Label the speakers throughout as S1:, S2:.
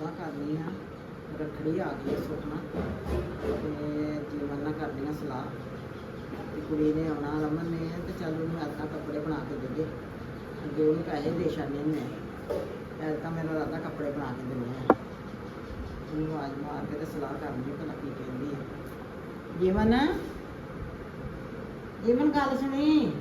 S1: ਸਲਾਹ ਕਰਨੀ ਆ ਰੱਖੜੀ ਆ ਗਈ ਸੁਖਣਾ ਤੇ ਜੀਵਨ ਨਾਲ ਕਰਨੀ ਆ ਸਲਾਹ ਤੇ ਕੁੜੀ ਨੇ ਆਉਣਾ ਰਮਨ ਨੇ ਤੇ ਚੱਲ ਉਹਨੂੰ ਐਦਾਂ ਕੱਪੜੇ ਬਣਾ ਕੇ ਦੇਈਏ ਅੱਗੇ ਉਹਨੂੰ ਪੈਸੇ ਦੇ ਛੱਡਨੇ ਨੇ ਐਦਾਂ ਮੇਰਾ ਰਾਦਾ ਕੱਪੜੇ ਬਣਾ ਕੇ ਦੇਣੇ ਆ ਉਹਨੂੰ ਆਵਾਜ਼ ਮਾਰ ਕੇ ਤੇ ਸਲਾਹ ਕਰਨੀ ਭਲਾ ਕੀ ਕਹਿੰਦੀ ਆ ਜੀਵਨ ਜੀਵਨ ਗੱਲ ਸੁਣੀ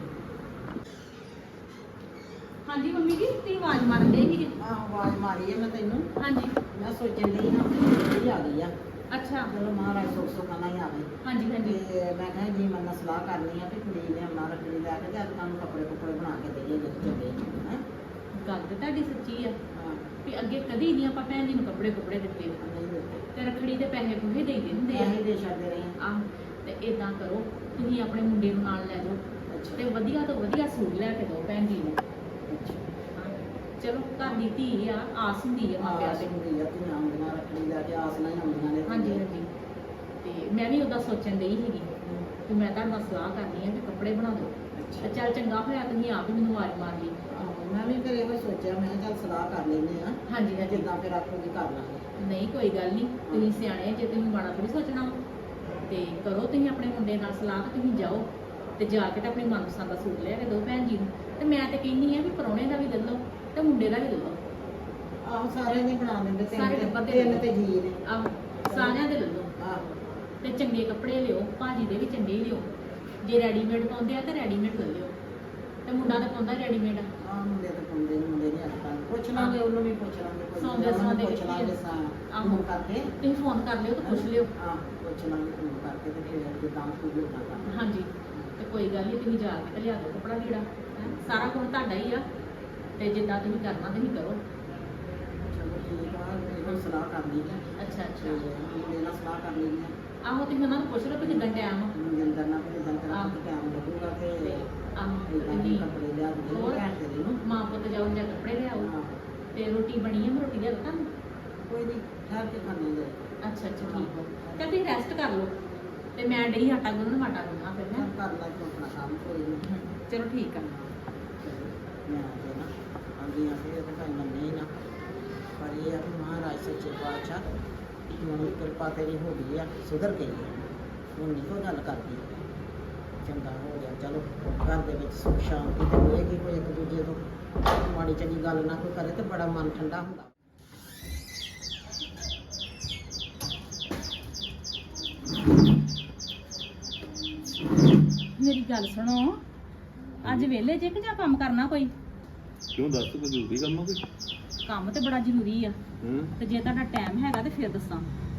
S2: ਹਾਂਜੀ ਮੰਮੀ ਜੀ ਤੁਸੀਂ ਆਵਾਜ਼ ਮਾਰਨ ਦੇ ਸੀਗੇ।
S1: ਆਵਾਜ਼ ਮਾਰੀ ਹੈ ਮੈਂ ਤੈਨੂੰ
S2: ਹਾਂਜੀ
S1: ਮੈਂ ਸੋਚਣ ਲਈ ਨਾ ਇਹ ਆ ਗਈ ਆ
S2: ਅੱਛਾ
S1: ਚਲੋ ਮਹਾਰਾਜ ਸੁੱਖ ਸੁਖਾਨਾ ਹੀ ਆਵੇ
S2: ਹਾਂਜੀ ਹਾਂਜੀ
S1: ਤੇ ਮੈਂ ਕਿਹਾ ਜੀ ਮੈਂ ਸਲਾਹ ਕਰਨੀ ਆ ਕਿ ਕੁੜੀ ਨੇ ਆਉਣਾ ਰੱਖੜੀ ਲੈ ਕੇ ਤੇ ਅੱਜ ਤੁਹਾਨੂੰ ਕੱਪੜੇ ਕੁੱਪੜੇ ਬਣਾ ਕੇ ਦੇਈਏ ਜਿੱਥੇ ਚੱਲੇ ਹੈ
S2: ਗੱਲ ਤੇ ਤੁਹਾਡੀ ਸੱਚੀ ਆ
S1: ਹਾਂ
S2: ਵੀ ਅੱਗੇ ਕਦੀ ਨਹੀਂ ਆਪਾਂ ਭੈਣ ਜੀ ਨੂੰ ਕੱਪੜੇ ਦਿੱਤੇ
S1: ਨਹੀਂ ਦਿੱਤੇ
S2: ਤੇ ਰੱਖੜੀ ਦੇ ਪੈਸੇ ਪੂਰੇ ਦੇ ਦਿੰਦੇ ਆ
S1: ਅਸੀਂ ਦੇ ਛੱਡਦੇ ਰਹੇ ਹਾਂ।
S2: ਆਹ ਤੇ ਇਦਾਂ ਕਰੋ ਤੁਸੀਂ ਆਪਣੇ ਮੁੰਡੇ ਨੂੰ ਨਾਲ ਲੈ ਜਾਓ
S1: ਅੱਛਾ
S2: ਤੇ ਵਧੀਆ ਤੋਂ ਵਧੀਆ ਸੂਟ ਲੈ ਕੇ ਦਿਓ ਭੈਣ ਜੀ ਨੂੰ
S1: ਅੱਛਾ
S2: ਹਾਂ, ਚਲੋ ਘਰ ਦੀ ਧੀ ਆ ਆਸ ਹੁੰਦੀ ਆ ਮਾਪਿਆਂ
S1: ਆਸ
S2: ਤੇ
S1: ਹੁੰਦੀ ਆ ਧੀਆਂ ਆਉਂਦੀਆਂ ਰੱਖੜੀ ਲੈ ਕੇ ਆਸ ਨਾਲ ਹੀ ਆਉਂਦੀਆਂ ਨੇ
S2: ਹਾਂਜੀ ਹਾਂਜੀ ਤੇ ਮੈਂ ਵੀ ਉਹਦਾ ਸੋਚਣ ਡਈ ਸੀਗੀ ਕਿ ਮੈਂ ਤੁਹਾਡੇ ਨਾਲ ਸਲਾਹ ਕਰਨੀ ਆ ਕਿ ਕੱਪੜੇ ਬਣਾ ਦਿਓ
S1: ਅੱਛਾ
S2: ਤੇ ਚੱਲ ਚੰਗਾ ਹੋਇਆ ਤੁਸੀਂ ਆਪ ਹੀ ਮੈਨੂੰ ਆਵਾਜ਼ ਮਾਰ ਲਈ
S1: ਆਹੋ, ਮੈਂ ਵੀ ਫਿਰ ਇਹੋ ਸੋਚਿਆ ਮੈਂ ਕਿਹਾ ਚੱਲ ਸਲਾਹ ਕਰ ਲੈਂਦੇ ਆ
S2: ਹਾਂਜੀ ਹਾਂਜੀ
S1: ਜਿੱਦਾਂ ਫਿਰ ਆਖੋਗੀ ਕਰ ਲਾਂਗੇ
S2: ਨਹੀਂ ਕੋਈ ਗੱਲ ਨਹੀਂ ਤੁਸੀਂ ਸਿਆਣੇ ਜੇ ਤੁਸੀਂ ਮਾੜਾ ਥੋੜੀ ਸੋਚਣਾ ਵਾ। ਤੇ ਕਰੋ ਤੁਸੀਂ ਆਪਣੇ ਮੁੰਡੇ ਨਾਲ ਸਲਾਹ ਤੇ ਤੁਸੀਂ ਜਾਓ ਤੇ ਜਾ ਕੇ ਤੇ ਆਪਣੀ ਮਨਪਸੰਦ ਦਾ ਸੂਟ ਲੈ ਕੇ ਦਿਓ ਭੈਣ ਜੀ ਨੂੰ ਤੇ ਮੈਂ ਤੇ ਕਹਿੰਦੀ ਆ ਵੀ ਪ੍ਰਾਹੁਣੇ ਦਾ ਵੀ ਲੈ ਲਓ ਤੇ ਮੁੰਡੇ ਦਾ ਵੀ ਲੈ ਲਓ
S1: ਆਹੋ ਸਾਰਿਆਂ ਨੇ ਬਣਾ ਦਿੰਦੇ
S2: ਸਾਰੇ ਟੱਬਰ ਦੇ
S1: ਤਿੰਨ ਤੇ ਜੀ ਨੇ
S2: ਆਹ ਸਾਰਿਆਂ ਦੇ ਲੈ ਲਓ
S1: ਆਹੋ
S2: ਤੇ ਚੰਗੇ ਕੱਪੜੇ ਲਿਓ ਭਾਜੀ ਦੇ ਵੀ ਚੰਗੇ ਹੀ ਲਿਓ ਜੇ ਰੈਡੀਮੇਡ ਪਾਉਂਦੇ ਆ ਤੇ ਰੈਡੀਮੇਡ ਲੈ ਲਿਓ ਤੇ ਮੁੰਡਾ ਤਾਂ ਪਾਉਂਦਾ ਰੈਡੀਮੇਡ ਆ
S1: ਆਹ ਮੁੰਡੇ ਤਾਂ ਪਾਉਂਦੇ ਨਹੀਂ ਮੁੰਡੇ ਨਹੀਂ ਅੱਜ ਕੱਲ੍ਹ ਪੁੱਛ ਲਾਂਗੇ ਉਹਨੂੰ ਵੀ ਪੁੱਛ ਲਾਂਗੇ ਕੋਈ
S2: ਸੌਂਦੇ
S1: ਉਹਨੂੰ
S2: ਸੌਂਦੇ
S1: ਪੁੱਛ ਲਾਂਗੇ ਸਾਂ
S2: ਆਹੋ।
S1: ਫੋਨ ਕਰਕੇ
S2: ਤੁਸੀਂ ਫੋਨ ਕਰ ਲਿਓ ਤੇ ਪੁੱਛ ਲਿਓ
S1: ਆਹ ਪੁੱਛ ਲਾਂਗੇ ਫੋਨ ਕਰਕੇ ਤੇ ਫਿਰ ਜਿੱਦਾਂ ਕੋਈ ਵੀ ਉਦਾਂ ਕਰ
S2: ਹਾਂਜੀ ਤੇ ਕੋਈ ਗੱਲ ਨਹੀਂ ਤੁਸੀਂ ਜਾ ਕੇ ਤੇ ਲਿਆ ਦਿਓ ਕੱਪੜਾ ਲੀੜਾ ਹੈਂ। ਸਾਰਾ ਕੁਝ ਤੁਹਾਡਾ ਹੀ ਆ ਤੇ ਜਿੱਦਾਂ ਤੁਸੀਂ ਕਰਨਾ ਤੁਸੀਂ ਕਰੋ
S1: ਚਲੋ ਠੀਕ ਆ ਇਹੋ ਸਲਾਹ ਕਰ ਲਈ ਹੈ
S2: ਅੱਛਾ
S1: ਤੇ
S2: ਅੱਛਾ
S1: ਮੁੰਡੇ ਨਾਲ ਸਲਾਹ ਕਰ ਲਈ ਹੈ
S2: ਆਹੋ ਤੁਸੀਂ ਉਹਨਾਂ ਨੂੰ ਪੁੱਛ ਲਓ ਕਿ ਕਿੰਨਾ ਟਾਈਮ ਆ
S1: ਜਿੰਦਰ ਨਾਲ ਫਿਰ ਜਿੰਦਰ
S2: ਆਹ।
S1: ਨਾਲ ਟਾਈਮ ਲੱਗੂਗਾ ਤੇ
S2: ਤੇ ਆਹੋ
S1: ਇਦਾਂ ਦੇ
S2: ਨਹੀਂ
S1: ਕੱਪੜੇ ਲਿਆ ਦੇ
S2: ਹੋਰ?
S1: ਭੈਣ ਤੇਰੀ ਨੂੰ
S2: ਮਾਂ ਪੁੱਤ ਜਾਓ ਜਾਂ ਕੱਪੜੇ ਲਿਆਓ
S1: ਆਹ,
S2: ਤੇ ਰੋਟੀ ਬਣੀ ਹੈ ਮੈਂ ਰੋਟੀ ਲਿਆ ਤੁਹਾਨੂੰ
S1: ਕੋਈ ਨਹੀਂ ਠਹਿਰ ਕੇ ਖਾਣੇ ਦੇ
S2: ਅੱਛਾ ਅੱਛਾ ਠੀਕ ਹੋ ਤੇ ਤੁਸੀਂ ਰੈਸਟ ਕਰ ਲਓ ਤੇ ਮੈਂ ਡਈ ਆਟਾ ਗੁੰਨਣ ਆਟਾ ਗੁੰਨਣਾ ਫਿਰ ਮੈਂ
S1: ਕਰ ਲੈ ਤੂੰ ਆਪਣਾ ਕੰਮ ਕੋਈ ਨਹੀਂ
S2: ਚਲੋ ਠੀਕ ਆ
S1: ਮੈਂ ਆ ਕੇ ਨਾ ਆਂਦੀ ਆ ਫਿਰ ਤਾਂ ਭਾਈ ਮੰਨੇ ਹੀ ਨਾ ਪਰ ਇਹ ਆ ਕਿ ਮਹਾਰਾਜ ਸੱਚੇ ਪਾਤਸ਼ਾਹ ਹੁਣ ਕਿਰਪਾ ਤੇਰੀ ਹੋ ਗਈ ਆ ਸੁਧਰ ਗਈ ਆ ਹੁਣ ਨਹੀਂ ਕੋਈ ਗੱਲ ਕਰਦੀ ਚੰਗਾ ਹੋ ਗਿਆ ਚਲੋ ਘਰ ਦੇ ਵਿੱਚ ਸੁਖ ਸ਼ਾਂਤੀ ਤੇ ਹੋਏਗੀ ਕੋਈ ਇੱਕ ਦੂਜੇ ਤੋਂ ਮਾੜੀ ਚੰਗੀ ਗੱਲ ਨਾ ਕੋਈ ਕਰੇ ਤੇ ਬੜਾ ਮਨ ਠੰਡਾ ਹੁੰਦਾ
S2: ਮੇਰੀ ਗੱਲ ਸੁਣੋ ਅੱਜ ਵਿਹਲੇ ਜੇ ਕਿ ਜਾਂ ਕੰਮ ਕਰਨਾ ਕੋਈ
S3: ਕਿਉਂ ਦੱਸ ਕੋਈ ਜ਼ਰੂਰੀ ਕੰਮ ਆ ਕੋਈ
S2: ਕੰਮ ਤੇ ਬੜਾ ਜ਼ਰੂਰੀ ਆ
S3: ਹਾਂ
S2: ਤੇ ਜੇ ਤੁਹਾਡਾ ਟਾਈਮ ਹੈਗਾ ਤੇ ਫਿਰ ਦੱਸਾਂ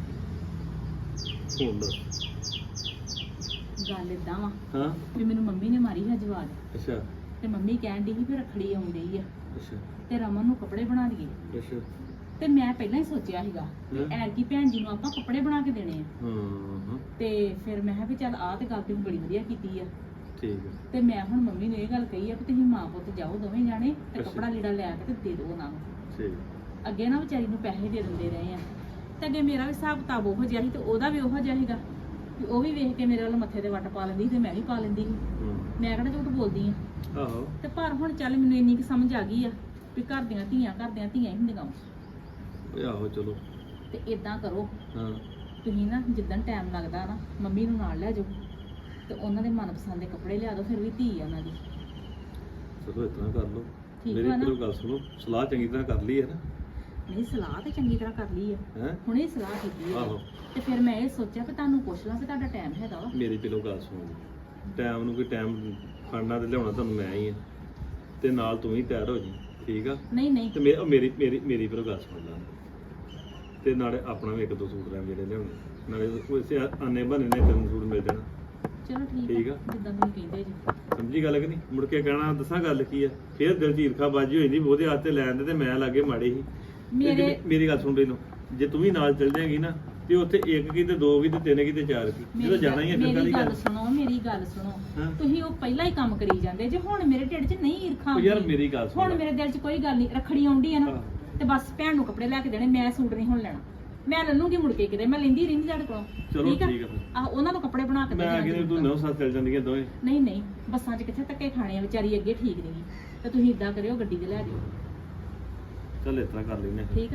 S3: ਹੁਣ ਦੱਸ
S2: ਗੱਲ ਇਦਾਂ ਵਾ
S3: ਹਾਂ
S2: ਵੀ ਮੈਨੂੰ ਮੰਮੀ ਨੇ ਮਾਰੀ ਹੈ ਜਵਾਬ
S3: ਅੱਛਾ
S2: ਤੇ ਮੰਮੀ ਕਹਿਣ ਦੀ ਸੀ ਵੀ ਰੱਖੜੀ ਆਉਣ ਡਈ ਆ
S3: ਅੱਛਾ
S2: ਤੇ ਰਮਨ ਨੂੰ ਕੱਪੜੇ ਬਣਾ ਦਈਏ
S3: ਅੱਛਾ
S2: ਤੇ ਮੈਂ ਪਹਿਲਾਂ ਹੀ ਸੋਚਿਆ ਸੀਗਾ ਕਿ
S3: ਹਾਂ।
S2: ਐਰਕੀ ਭੈਣ ਜੀ ਨੂੰ ਆਪਾਂ ਕੱਪੜੇ ਬਣਾ ਕੇ ਦੇਣੇ ਆ
S3: ਹਾਂ
S2: ਤੇ ਫਿਰ ਮੈਂ ਕਿਹਾ ਵੀ ਚੱਲ ਆਹ ਤੇ ਗੱਲ ਤੇ ਬੜੀ ਵਧੀਆ ਕੀਤੀ ਆ
S3: ਠੀਕ ਹੈ
S2: ਤੇ ਮੈਂ ਹੁਣ ਮੰਮੀ ਨੂੰ ਇਹ ਗੱਲ ਕਹੀ ਆ ਕਿ ਤੁਸੀਂ ਮਾਂ ਪੁੱਤ ਜਾਓ ਦੋਵੇਂ ਜਾਣੇ ਤੇ
S3: ਅੱਛਾ।
S2: ਕੱਪੜਾ ਲੀੜਾ ਲੈ ਕੇ ਤੇ ਦੇ ਦਿਓ ਉਹਨਾਂ ਨੂੰ
S3: ਠੀਕ
S2: ਅੱਗੇ ਨਾ ਵਿਚਾਰੀ ਨੂੰ ਪੈਸੇ ਦੇ ਦਿੰਦੇ ਰਹੇ ਆ ਤੇ ਅੱਗੇ ਮੇਰਾ ਵੀ ਹਿਸਾਬ ਕਿਤਾਬ ਉਹੋ ਜਿਹਾ ਸੀ ਤੇ ਉਹਦਾ ਵੀ ਉਹੋ ਜਿਹਾ ਸੀਗਾ ਕਿ ਉਹ ਵੀ ਵੇਖ ਕੇ ਮੇਰੇ ਵੱਲ ਮੱਥੇ ਤੇ ਵੱਟ ਪਾ ਲੈਂਦੀ ਸੀ ਤੇ ਮੈਂ ਵੀ ਪਾ ਲੈਂਦੀ ਸੀ
S3: ਹਾਂ
S2: ਮੈਂ ਕਿਹੜਾ ਝੂਠ ਬੋਲਦੀ ਆ
S3: ਆਹੋ
S2: ਤੇ ਪਰ ਹੁਣ ਚੱਲ ਮੈਨੂੰ ਇੰਨੀ ਕੁ ਸਮਝ ਆ ਗਈ ਆ ਵੀ ਘਰ ਦੀਆਂ ਧੀਆਂ ਹੀ ਹੁੰਦੀਆਂ ਵਾ।
S3: ਓਏ ਆਹੋ ਚਲੋ
S2: ਤੇ ਇਦਾਂ ਕਰੋ
S3: ਹਾਂ
S2: ਤੁਸੀਂ ਨਾ ਜਿੱਦਣ ਟਾਈਮ ਲੱਗਦਾ ਨਾ ਮੰਮੀ ਨੂੰ ਨਾਲ ਲੈ ਜਾਓ ਤੇ ਉਹਨਾਂ ਦੇ ਮਨਪਸੰਦ ਦੇ ਕੱਪੜੇ ਲਿਆ ਦਿਓ ਫਿਰ ਵੀ ਧੀ ਆ ਉਹਨਾਂ ਦੀ
S3: ਚਲੋ ਇਤਨਾ ਕਰ ਲਓ
S2: ਠੀਕ
S3: ਮੇਰੀ
S2: ਵਾ ਨਾ?
S3: ਇੱਕ ਗੱਲ ਸੁਣੋ ਸਲਾਹ ਚੰਗੀ ਤਰ੍ਹਾਂ ਕਰ ਲਈ ਹੈ ਨਾ
S2: ਨਹੀਂ ਸਲਾਹ ਤੇ ਚੰਗੀ ਤਰ੍ਹਾਂ ਕਰ ਲਈ ਆ
S3: ਹੈ
S2: ਹੁਣੇ ਸਲਾਹ ਕੀਤੀ ਹੈ
S3: ਆਹੋ
S2: ਤੇ ਫਿਰ ਮੈਂ ਇਹ ਸੋਚਿਆ ਕਿ ਤੁਹਾਨੂੰ ਪੁੱਛ ਲਾਂ ਕਿ ਤੁਹਾਡਾ ਟਾਈਮ ਹੈਗਾ ਵਾ
S3: ਮੇਰੀ ਪਹਿਲੋਂ ਗੱਲ ਸੁਣੋ ਟਾਈਮ ਨੂੰ ਕੋਈ ਟਾਈਮ ਫੜਨਾ ਤੇ ਲਿਆਉਣਾ ਤੁਹਾਨੂੰ ਮੈਂ ਹੀ ਆ ਤੇ ਨਾਲ ਤੂੰ ਹੀ ਤਿਆਰ ਹੋ ਜੀ ਠੀਕ ਆ
S2: ਨਹੀਂ ਨਹੀਂ
S3: ਤੇ ਮੇਰੀ ਪਹਿਲੋਂ ਗੱਲ ਸੁਣ ਲੈ ਤੇ ਨਾਲੇ ਆਪਣਾ ਵੀ ਇੱਕ ਦੋ ਸੂਟ ਰਹਿ ਜਿਹੜੇ ਲਿਆਉਣੇ ਨਾਲੇ ਉਸੇ ਆਨੇ ਬਹਾਨੇ ਨੇ ਤੈਨੂੰ ਸੂਟ ਮਿਲ ਜਾਣਾ
S2: ਚਲੋ
S3: ਠੀਕ
S2: ਠੀਕ
S3: ਆ।
S2: ਆ ਜਿੱਦਾਂ ਤੁਸੀਂ ਕਹਿੰਦੇ ਜੀ
S3: ਸਮਝੀ ਗੱਲ ਕਿ ਨਹੀਂ ਮੁੜ ਕੇ ਕਹਿਣਾ ਦੱਸਾਂ ਗੱਲ ਕੀ ਆ ਫੇਰ ਦਿਲ 'ਚ ਈਰਖਾ ਬਾਜੀ ਹੋ ਜਾਂਦੀ ਉਹਦੇ ਹੱਥ ਤੇ ਲੈਣ ਦੇ ਤੇ ਮੈਂ ਲਾਗੇ ਮਾੜੇ ਸੀ ਤੇ
S2: ਮੇਰੇ
S3: ਮੇਰੀ ਗੱਲ ਸੁਣ ਪਹਿਲੋਂ ਜੇ ਤੂੰ ਵੀ ਨਾਲ ਚੱਲ ਜਾਏਗੀ ਨਾ ਤੇ ਉੱਥੇ ਇੱਕ ਕੀ ਤੇ ਦੋ ਕੀ ਤੇ ਤਿੰਨ ਕੀ ਤੇ ਚਾਰ ਕੀ ਜਦੋਂ ਜਾਣਾ ਹੀ ਹੈ ਫਿਰ
S2: ਮੇਰੀ
S3: ਕਾਹਦੀ
S2: ਗੱਲ
S3: ਗੱਲ
S2: ਸੁਣੋ ਮੇਰੀ ਗੱਲ ਸੁਣੋ
S3: ਹਾਂ।
S2: ਤੁਸੀਂ ਉਹ ਪਹਿਲਾਂ ਹੀ ਕੰਮ ਕਰੀ ਜਾਂਦੇ ਜੇ ਹੁਣ ਮੇਰੇ ਢਿੱਡ 'ਚ ਨਹੀਂ ਈਰਖਾ
S3: ਉਹ ਯਾਰ
S2: ਆਉਂਦੀ।
S3: ਮੇਰੀ ਗੱਲ ਸੁਣ
S2: ਹੁਣ ਮੇਰੇ ਦਿਲ 'ਚ ਕੋਈ ਗੱਲ ਨਹੀਂ ਰੱਖੜੀ ਆਉਂਦੀ ਹੈ ਨਾ
S3: ਹਾਂ।
S2: ਤੇ ਬਸ ਭੈਣ ਨੂੰ ਕੱਪੜੇ ਲੈ ਕੇ ਦੇਣੇ ਮੈਂ ਸੂਟ ਨਹੀਂ ਹੁਣ ਲੈਣਾ ਮੈਂ ਲੈ ਲੂੰਗੀ ਮੁੜ ਕੇ ਕਿਤੇ ਮੈਂ ਲੈਂਦੀ ਰਹਿੰਦੀ ਤੁਹਾਡੇ ਕੋਲੋਂ
S3: ਚਲੋ ਠੀਕ ਆ ਫਿਰ।
S2: ਆਹ ਉਹਨਾਂ ਨੂੰ ਕੱਪੜੇ ਬਣਾ ਕੇ ਦੇ
S3: ਮੈਂ
S2: ਦੇਣਾ
S3: ਕਿਹਾ ਤੂੰ
S2: ਜ਼ਰੂਰ।
S3: ਨੌ ਸੱਤ ਚੱਲ ਜਾਂਦੀਆਂ ਦੋਵੇਂ
S2: ਨਹੀਂ ਨਹੀਂ ਬੱਸਾਂ 'ਚ ਕਿੱਥੇ ਧੱਕੇ ਖਾਣੇ ਆ ਵਿਚਾਰੀ ਅੱਗੇ ਠੀਕ ਨਹੀਂ ਤੇ ਤੁਸੀਂ ਇਦਾਂ ਕਰਿਓ ਗੱਡੀ 'ਤੇ ਲੈ ਜਾਓ
S3: ਚੱਲ ਇਸ ਤਰ੍ਹਾਂ ਕਰ ਲੈਨੇ
S2: ਠੀਕ ਆ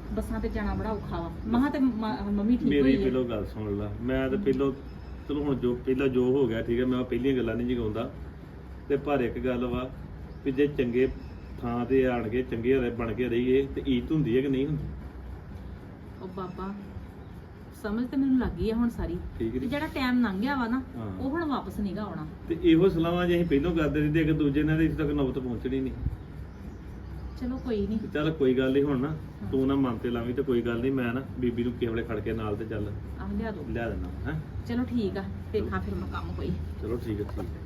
S2: ਬੱਸਾਂ ਤੇ ਜਾਣਾ ਬੜਾ ਔਖਾ ਵਾ ਮਹਾਂ ਤੇ ਮੰਮੀ ਠੀਕ
S3: ਮੇਰੀ
S2: ਹੋਈ ਹੈ।
S3: ਪਹਿਲੋਂ ਗੱਲ ਸੁਣ ਲਾ, ਮੈਂ ਤੇ ਪਹਿਲੋਂ ਚਲੋ ਹੁਣ ਜੋ ਪਹਿਲਾਂ ਜੋ ਹੋ ਗਿਆ ਠੀਕ ਹੈ, ਮੈਂ ਪਹਿਲੀਆਂ ਗੱਲਾਂ ਨਹੀਂ ਜਗਾਉਂਦਾ ਤੇ ਪਰ ਇੱਕ ਗੱਲ ਵਾ ਵੀ ਜੇ ਚੰਗੇ ਥਾਂ ਤੇ ਆਣ ਕੇ ਚੰਗੇ ਬਣ ਕੇ ਰਹੀਏ ਤੇ ਇੱਜ਼ਤ ਹੁੰਦੀ ਹੈ ਕਿ ਨਹੀਂ ਹੁੰਦੀ?
S2: ਉਹ ਬਾਬਾ ਸਮਝ ਤੇ ਮੈਨੂੰ ਲੱਗ ਗਈ ਆ ਹੁਣ ਸਾਰੀ
S3: ਠੀਕ
S2: ਤੇ
S3: ਨੀ?
S2: ਜਿਹੜਾ ਟਾਈਮ ਲੰਘ ਗਿਆ ਵਾ ਨਾ
S3: ਹਾਂ।
S2: ਉਹ ਹੁਣ ਵਾਪਸ ਨਹੀਂਗਾ ਆਉਣਾ।
S3: ਤੇ ਇਹੋ ਸਲਾਹਾਂ ਜੇ ਅਸੀਂ ਪਹਿਲੋਂ ਕਰਦੇ ਰਹਿੰਦੇ ਇੱਕ ਦੂਜੇ ਨਾਲ ਤੇ ਇੱਥੇ ਤੱਕ ਨੌਬਤ ਪਹੁੰਚਣੀ ਨਹੀਂ।
S2: ਚਲੋ ਕੋਈ ਨਹੀਂ।
S3: ਤੇ ਚੱਲ ਕੋਈ ਗੱਲ ਨਹੀਂ, ਹੁਣ ਨਾ ਤੂੰ ਨਾ ਮਨ ਤੇ ਲਾਵੀਂ ਤੇ ਕੋਈ ਗੱਲ ਨਹੀਂ, ਮੈਂ ਨਾ ਬੀਬੀ ਨੂੰ ਕਿਸੇ ਵੇਲੇ ਖੜ ਕੇ ਨਾਲ ਤੇ ਚੱਲ
S2: ਆਹ ਲਿਆ ਦੋ।
S3: ਲਿਆ ਦੇਣਾ ਹੈ।
S2: ਚਲੋ ਠੀਕ ਆ, ਦੇਖਾਂ ਫਿਰ ਮੈਂ ਕੰਮ ਕੋਈ।
S3: ਚਲੋ ਠੀਕ ਹੈ, ਠੀਕ ਹੈ।